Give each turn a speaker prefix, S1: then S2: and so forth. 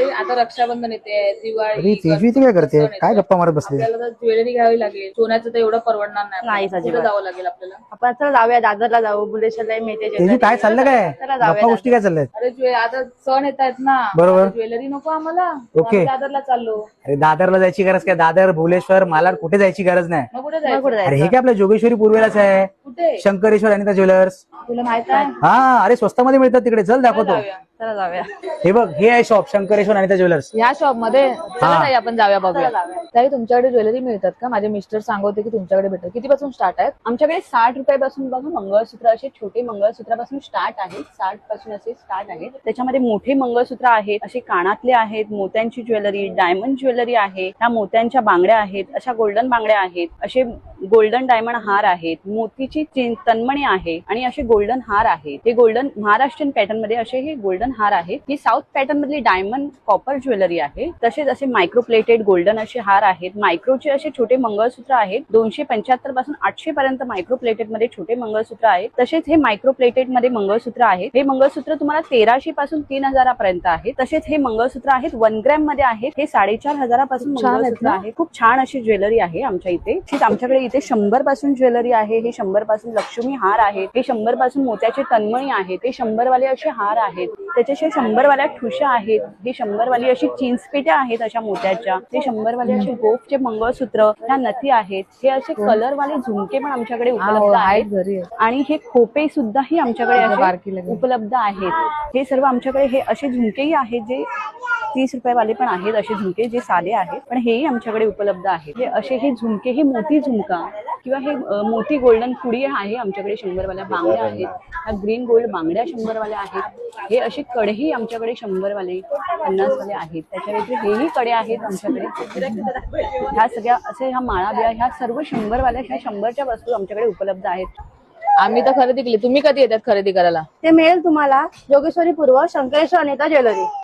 S1: दिवाळी आता रक्षाबंधन येते, दिवाळी
S2: तेजवी ती काय करते, काय गप्पा मारत बसली?
S1: आपल्याला ज्वेलरी घ्यावी लागेल, सोन्याचं तर एवढं परवडणार नाही. कुठे जावं लागेल आपल्याला?
S3: आपण चला जाऊया, दादरला जाऊ, बुलेशरला मिळते
S2: तेजवी काय चाललं, काय गप्पा गोष्टी काय चालल्यात?
S1: अरे आता सण येत आहेत ना,
S2: बरोबर.
S1: ज्वेलरी नको आम्हाला,
S2: ओके.
S1: आम्ही दादरला चाललो.
S2: अरे दादरला जायची गरज काय? दादर, भुवनेश्वर, मालाड कुठे जायची गरज नाही.
S1: मग कुठे जायचं?
S2: अरे हे काय आपल्या जोगेश्वरी पूर्वेलाच आहे,
S1: कुठे?
S2: शंकरेश्वर अनिता ज्वेलर्स.
S1: तुला माहित आहे?
S2: हा, अरे स्वस्तामध्ये मिळतात तिकडे, चल दाखवतो.
S1: जाऊया.
S3: चला जाऊया.
S2: हे बघ, हे आहे शॉप शंकरेश्वर अनिता ज्वेलर्स.
S1: या शॉप मध्ये आपण जाऊया बघूया. ताई तुमच्याकडे ज्वेलरी मिळतात का? माझे मिस्टर सांगत होते की तुमच्याकडे भेटतात. कितीपासून स्टार्ट आहेत?
S3: आमच्याकडे 60 रुपयापासून बघा मंगळसूत्र, असे छोटे मंगळसूत्रापासून स्टार्ट आहेत, 60 पासून असे स्टार्ट आहेत. त्याच्यामध्ये मोठे मंगळसूत्र आहेत, असे कानातले आहेत, मोत्यांची ज्वेलरी, डायमंड ज्वेलरी आहे, ह्या मोत्यांच्या बांगड्या आहेत, अशा गोल्डन बांगड्या आहेत, असे गोल्डन डायमंड हार आहेत, मोतीची तन्मणी आहे आणि असे गोल्डन हार आहेत. हे गोल्डन महाराष्ट्रीयन पॅटर्न मध्ये असे हे गोल्डन हार आहेत. ही साऊथ पॅटर्न मधली डायमंड कॉपर ज्वेलरी आहे. तसेच असे मायक्रो प्लेटेड गोल्डन असे हार आहेत. मायक्रोचे असे छोटे मंगळसूत्र आहेत, 275 पासून 800 पर्यंत मायक्रो प्लेटेड मध्ये छोटे मंगळसूत्र आहेत. तसेच हे मायक्रो प्लेटेड मध्ये मंगळसूत्र आहेत. हे मंगळसूत्र तुम्हाला 1300 पासून 3000 पर्यंत आहे. तसेच हे मंगळसूत्र आहेत 1 ग्रॅम मध्ये आहेत. हे 4500 पासून मंगळसूत्र आहे. खूप छान अशी ज्वेलरी आहे आमच्या इथे. आमच्याकडे इथे 100 पासून ज्वेलरी आहे. हे 100 पासून लक्ष्मी हार आहेत. हे 100 पासून मोत्याचे तन्मणी आहेत. हे 100 वाले असे हार आहेत. त्याच्याशिवाय 100 वाल्या ठुशा आहेत. हे 100 वाली अशी चिंचपेट्या आहेत अशा मोत्याच्या. हे 100 वाले असे गोफचे मंगळसूत्र, ह्या नथी आहेत. हे असे कलर वाले झुमके पण आमच्याकडे उपलब्ध आहेत आणि हे खोपे सुद्धाही आमच्याकडे असे उपलब्ध आहेत. हे सर्व आमच्याकडे हे असे झुमकेही आहेत जे 30 रुपयावाले पण आहेत. असे झुमके जे साधे आहेत पण हेही आमच्याकडे उपलब्ध आहेत. हे असे हे झुमके, हे मोती झुमका किंवा हे मोती गोल्डन कुडी आहे आमच्याकडे. 100 वाल्या बांगड्या आहेत. ह्या ग्रीन गोल्ड बांगड्या 100 वाल्या आहेत. हे असे कडेही आमच्याकडे 100 वाले, 50 वाले आहेत. त्याच्या व्यतिरिक्त हेही कडे आहेत आमच्याकडे. ह्या सगळ्या असे ह्या माळा बिळा ह्या सर्व 100 वाल्या, ह्या 100च्या वस्तू आमच्याकडे उपलब्ध आहेत.
S1: आम्ही तर खरेदी केली. तुम्ही कधी येतात खरेदी करायला?
S3: ते मिळेल तुम्हाला जोगेश्वरी पूर्व, शंकरेश्वर अनिता ज्वेलरी.